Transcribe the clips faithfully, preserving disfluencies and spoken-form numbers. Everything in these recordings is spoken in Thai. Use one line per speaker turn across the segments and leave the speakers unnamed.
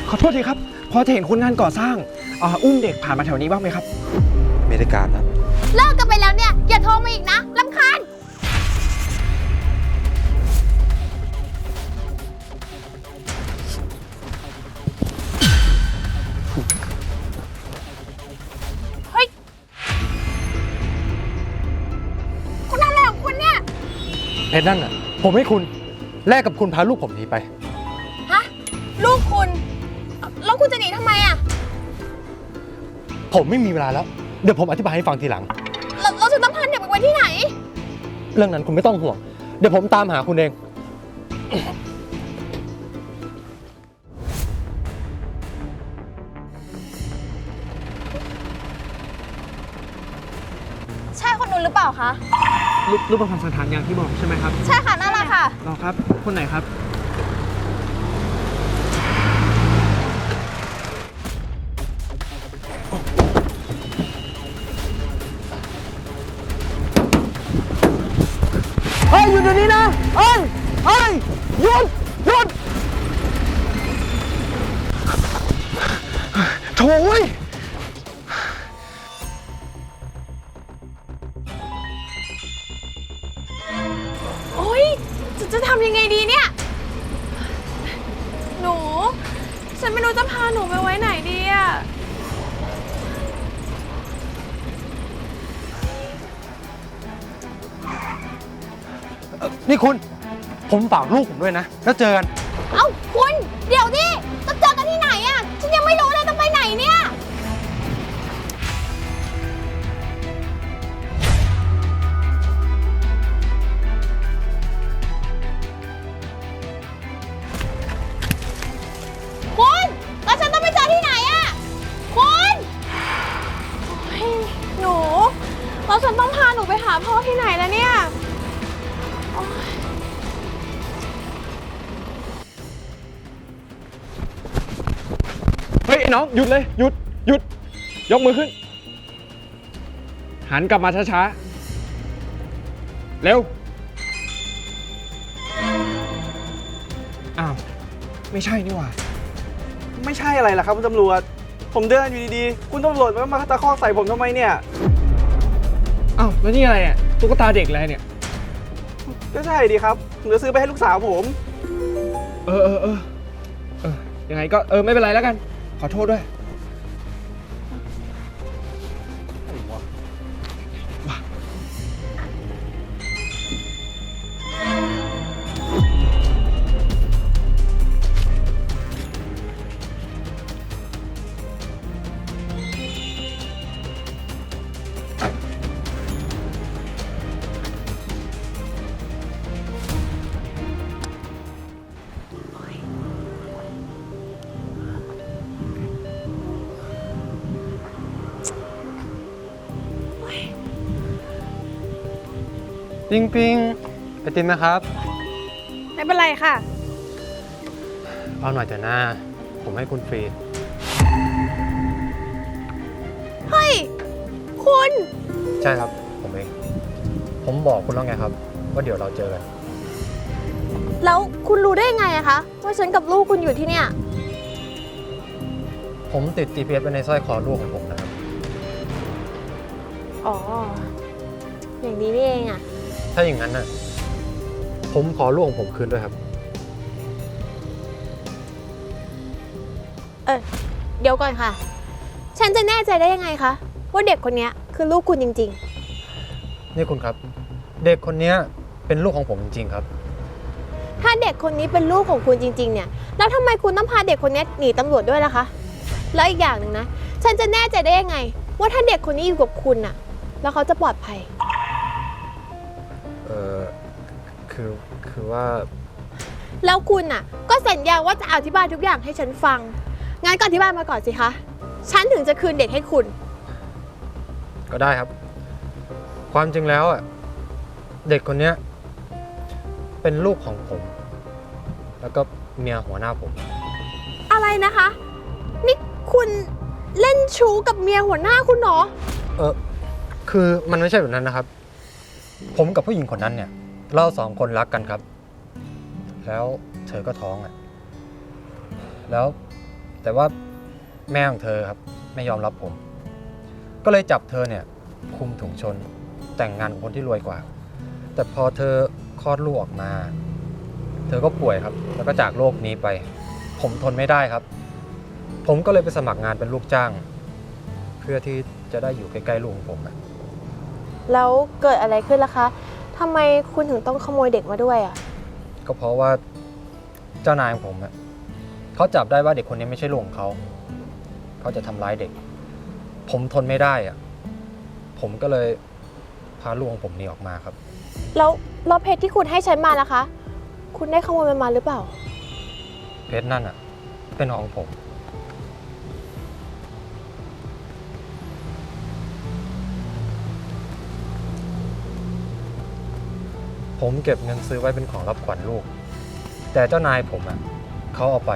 ขอโทษทีครับพอจะเห็นคนงานก่อสร้างอ่าอุ้มเด็กผ่านมาแถวนี้บ้างไหมครับ
ไม่ได้การนะ
เลิกกันไปแล้วเนี่ยอย่าโทรมาอีกนะรำคาญเฮ้ยคุณอะไรของคุณเนี่ย
เพชรนั่นอ่ะผมให้คุณแลกกับคุณพาลูกผมหนีไป
ฮะลูกคุณแล้วคุณจะหนีทำไมอ่ะ
ผมไม่มีเวลาแล้วเดี๋ยวผมอธิบายให้ฟังทีหลัง
เราเราจะต้องพาเด็กไปไว้ที่ไหน
เรื่องนั้นคุณไม่ต้องห่วงเดี๋ยวผมตามหาคุณเอง
ใช่คนนู้นหรือเปล่าคะ
รูปรูปประพันธ์สันฐานอย่างที่บอกใช่ไหมครับ
ใช่ค่ะนั่นแหละค่ะ
รอครับคนไหนครับเฮ้ยหยุดเดี๋ยวนี้นะเฮ้ยเฮ้ยหยุดหยุดโถ่เว้ย
โอ๊ยจะจะทำยังไงดีเนี่ยหนูฉันไม่รู้จะพาหนูไปไว้ไหนดีอะ
นี่คุณผมฝากลูกผมด้วยนะแล้วเจอกัน
เอ้าคุณเดี๋ยวดิจะเจอกันที่ไหนอะฉันยังไม่รู้เลยจะไปไหนเนี่ยคุณแล้วฉันต้องไปเจอที่ไหนอะคุณโอ๊ยหนูแล้วฉันต้องพาหนูไปหาพ่อที่ไหนแล้วเนี่ยโอ๊ย
เฮ้ยไอ้น้องหยุดเลยหยุดหยุดยกมือขึ้นหันกลับมาช้าๆเร็วอ้าวไม่ใช่นี่หว่า
ไม่ใช่อะไรล่ะครับคุณตำรวจผมเดินอยู่ดีๆคุณตำรวจมามาตะคอกใส่ผมทำไมเนี่ย
อ้าวแล้วนี่อะไรเนี่ยตุ๊กตาเด็กอะไรเนี่ย
ก็ใช่ดีครับผมจะซื้อไปให้ลูกสาวผม
เออเออเออเออยังไงก็เออไม่เป็นไรแล้วกันขอโทษด้วย
ปิงปิงไอติมนะครับ
ไม่เป็นไรค่ะ
เอาหน่อยเถอะนะผมให้คุณฟรี
เฮ้ยคุณ
ใช่ครับผมเองผมบอกคุณแล้วไงครับว่าเดี๋ยวเราเจอกัน
แล้วคุณรู้ได้ยังไงอะคะว่าฉันกับลูกคุณอยู่ที่เนี่ย
ผมติด จี พี เอส ไว้ในสร้อยคอลูกของผมนะครับ
อ๋ออย่างนี้นี่เองอะ
ถ้าอย่างนั้นน่ะผมขอลูกของผมคืนด้วยครับ
เออเดี๋ยวก่อนค่ะฉันจะแน่ใจได้ยังไงคะว่าเด็กคนนี้คือลูกคุณจริง
ๆนี่คุณครับเด็กคนนี้เป็นลูกของผมจริงๆครับ
ถ้าเด็กคนนี้เป็นลูกของคุณจริงๆเนี่ยแล้วทำไมคุณต้องพาเด็กคนนี้หนีตำรวจด้วยล่ะคะแล้วอีกอย่างหนึ่งนะฉันจะแน่ใจได้ยังไงว่าถ้าเด็กคนนี้อยู่กับคุณน่ะแล้วเขาจะปลอดภัย
เออคือคือว่า
แล้วคุณน่ะก็สัญญาว่าจะอธิบายทุกอย่างให้ฉันฟังงั้นก็อธิบายมาก่อนสิคะฉันถึงจะคืนเด็กให้คุณ
ก็ได้ครับความจริงแล้วอ่ะเด็กคนนี้เป็นลูกของผมแล้วก็เมียหัวหน้าผม
อะไรนะคะนี่คุณเล่นชู้กับเมียหัวหน้าคุณเหรอ
เออคือมันไม่ใช่แบบนั้นนะครับผมกับผู้หญิงคนนั้นเนี่ยเราสองคนรักกันครับแล้วเธอก็ท้องอ่ะแล้วแต่ว่าแม่ของเธอครับไม่ยอมรับผม ก็เลยจับเธอเนี่ยคุมถุงชนแต่งงานกับคนที่รวยกว่า แต่พอเธอคลอดลูกออกมา เธอก็ป่วยครับ แล้วก็จากโลกนี้ไป ผมทนไม่ได้ครับ ผมก็เลยไปสมัครงานเป็นลูกจ้าง เพื่อที่จะได้อยู่ใกล้ๆลูกของผมอะ
แล้วเกิดอะไรขึ้นล่ะคะทำไมคุณถึงต้องขโมยเด็กมาด้วยอ่ะ
ก็เพราะว่าเจ้านายของผมอะเขาจับได้ว่าเด็กคนนี้ไม่ใช่ลูกของเขา เขาจะทำร้ายเด็ก ผมทนไม่ได้อะผมก็เลยพาลูกของผมหนีออกมาครับ
แล้วรอบเพชรที่คุณให้ฉันมาล่ะคะ คุณได้ขโมยมันมาหรือเปล่า
เพชรนั่นอะเป็นของผม ผมเก็บเงินซื้อไว้เป็นของรับขวัญลูก แต่เจ้านายผมอะเขาเอาไป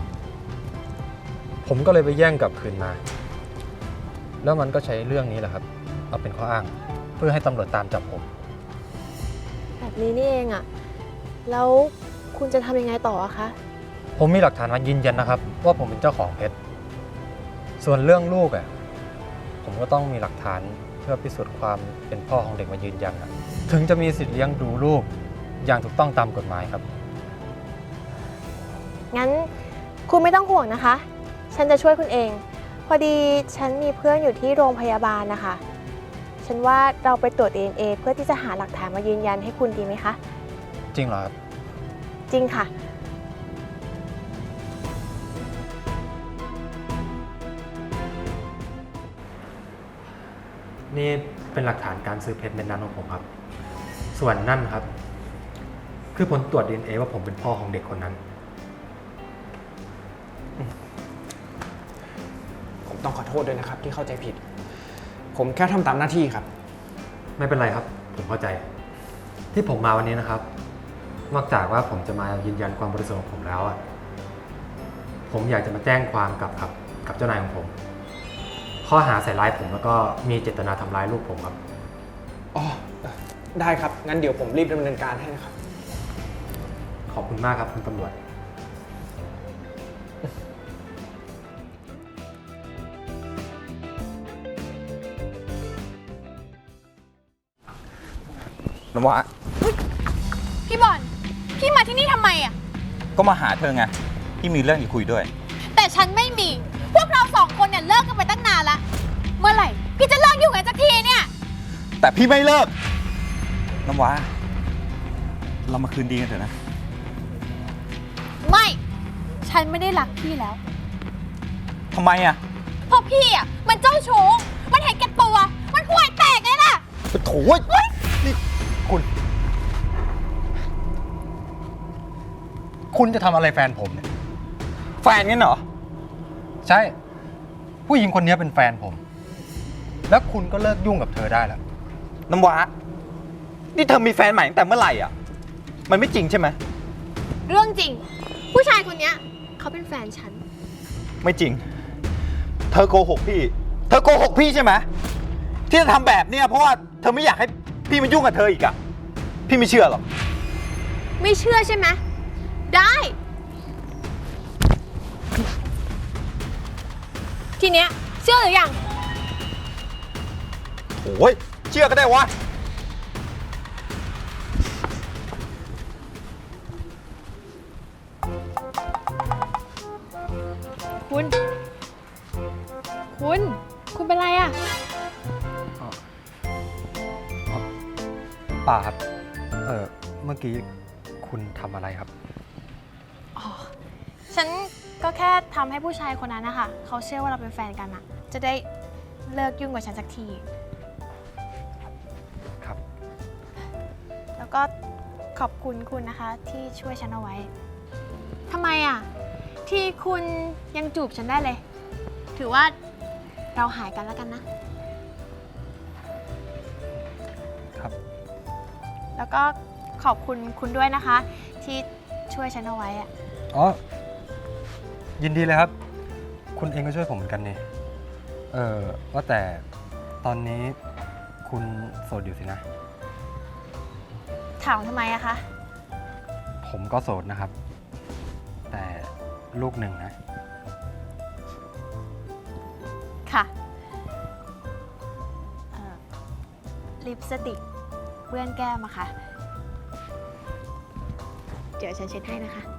ผมก็เลยไปแย่งกลับคืนมา แล้วมันก็ใช้เรื่องนี้แหละครับ เอาเป็นข้ออ้าง เพื่อให้ตำรวจตามจับผม
แบบนี้นี่เองอ่ะ แล้วคุณจะทำยังไงต่ออะคะ
ผมมีหลักฐานมายืนยันนะครับ ว่าผมเป็นเจ้าของเพชร ส่วนเรื่องลูกอะผมก็ต้องมีหลักฐานเพื่อพิสูจน์ความเป็นพ่อของเด็กมายืนยันนะถึงจะมีสิทธิ์เลี้ยงดูลูกอย่างถูกต้องตามกฎหมายครับ
งั้นคุณไม่ต้องห่วงนะคะ ฉันจะช่วยคุณเอง พอดีฉันมีเพื่อนอยู่ที่โรงพยาบาลนะคะ ฉันว่าเราไปตรวจ ดี เอ็น เอ เพื่อที่จะหาหลักฐานมายืนยันให้คุณดีไหมคะ
จริงเหรอครับ
จริงค่ะ
นี่เป็นหลักฐานการซื้อเพชรเม็ดนั้นของผมครับ ส่วนนั่นครับ คือผลตรวจ ดี เอ็น เอ ว่าผมเป็นพ่อของเด็กคนนั้น
ผมต้องขอโทษด้วยนะครับที่เข้าใจผิด ผมแค่ทำตามหน้าที่ครับ
ไม่เป็นไรครับ ผมเข้าใจ ที่ผมมาวันนี้นะครับ นอกจากว่าผมจะมายืนยันความบริสุทธิ์ของผมแล้วอะผมอยากจะมาแจ้งความกับครับกับเจ้านายของผม ข้อหาใส่ร้ายผมแล้วก็มีเจตนาทำร้ายลูกผมครับ
อ๋อ ได้ครับ งั้นเดี๋ยวผมรีบดำเนินการให้นะครับ
ขอบคุณมากครับคุณตำรวจ
น้ำว้า
พี่บอล พี่มาที่นี่ทำไมอ่ะ
ก็มาหาเธอไงที่มีเรื่องจะคุยด้วย
แต่ฉันไม่มี พวกเราสองคนเนี่ยเลิกกันไปตั้งนานละ เมื่อไหร่ พี่จะเลิกยุ่งกันสักทีเนี่ย
แต่พี่ไม่เลิก น้ำว้า เรามาคืนดีกันเถอะนะ
ไม่ ฉันไม่ได้รักพี่แล้ว
ทำไมอ่ะ
เพราะพี่อ่ะมันเจ้าชู้ มันเห็นแก่ตัว มันห่วยแตกเลยล่ะ
โถ่นี่คุณ
คุณจะทำอะไรแฟนผมเนี่ย
แฟนงั้นเหรอ
ใช่ ผู้หญิงคนนี้เป็นแฟนผม แล้วคุณก็เลิกยุ่งกับเธอได้แล้ว
น้ำว้า นี่เธอมีแฟนใหม่ตั้งแต่เมื่อไหร่อ่ะ มันไม่จริงใช่ไหม
เรื่องจริง ผู้ชายคนเนี้ยเขาเป็นแฟนฉัน
ไม่จริง เธอโกหกพี่ เธอโกหกพี่ใช่ไหมที่จะทำแบบเนี้ยเพราะว่าเธอไม่อยากให้พี่มายุ่งกับเธออีกอ่ะ พี่ไม่เชื่อหรอก
ไม่เชื่อใช่ไหม ได้ ทีเนี้ยเชื่อหรือยัง
โอ้ยเชื่อก็ได้วะ
คุณ คุณ คุณเป็นไรอะ
ป่าครับ เออเมื่อกี้คุณทำอะไรครับ
อ๋อ ฉันก็แค่ทำให้ผู้ชายคนนั้นนะคะเขาเชื่อว่าเราเป็นแฟนกันอะจะได้เลิกยุ่งกับฉันสักที
ครับ
แล้วก็ขอบคุณคุณนะคะที่ช่วยฉันเอาไว้ ทำไมอะที่คุณยังจูบฉันได้เลย ถือว่าเราหายกันแล้วกันนะ
ครับ
แล้วก็ขอบคุณคุณด้วยนะคะ ที่ช่วยฉันเอาไว้อะ
อ๋อ ยินดีเลยครับ คุณเองก็ช่วยผมเหมือนกันนี่ เออว่าแต่ตอนนี้คุณโสดอยู่สินะ
ถามทำไมอะคะ
ผมก็โสดนะครับ แต่ลูกหนึ่งนะ
ลิปสติกเปื้อนแก้มอะค่ะ เดี๋ยวฉันเช็ดให้นะคะ